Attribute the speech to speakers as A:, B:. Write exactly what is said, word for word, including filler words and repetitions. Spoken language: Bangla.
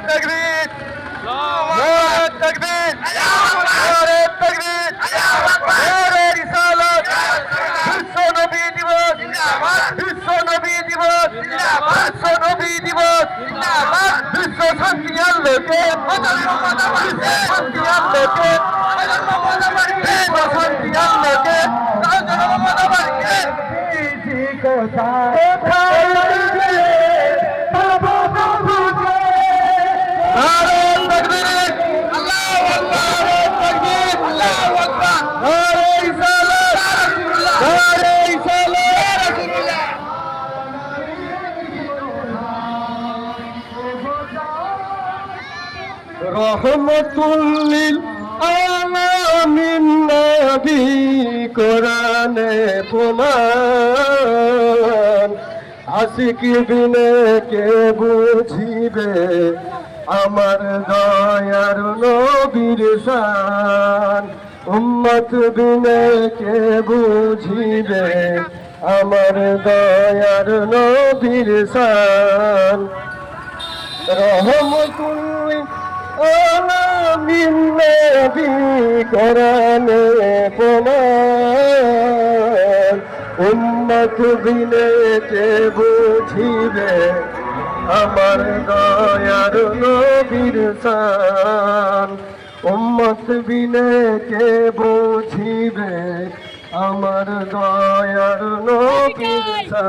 A: তাকবীর নারে তাকবীর নারে তাকবীর নারে রিসালাত বিশ্ব নবী দিবস বিশ্ব নবী দিবস বিশ্ব নবী দিবস বিশ্ব শান্তি আল্লাহকে বিশ্ব শান্তি আল্লাহকে বিশ্ব শান্তি আল্লাহকে রহমতুল্লিল আলামিন নবী কোরআনে প্রমাণ আশিক বিনে কে বুঝিবে আমার দয়ার নবীর শান উম্মত বিনে কে বুঝিবে আমার দয়ার নবীর শান রহমতুল্লিল আলামিন নবী কোরআনে প্রমাণ উম্মত বিনে কে বুঝিবে আমার দয়ার নবীর শান উম্মত বিনে কে বুঝিবে আমার দয়ার নবীর শান।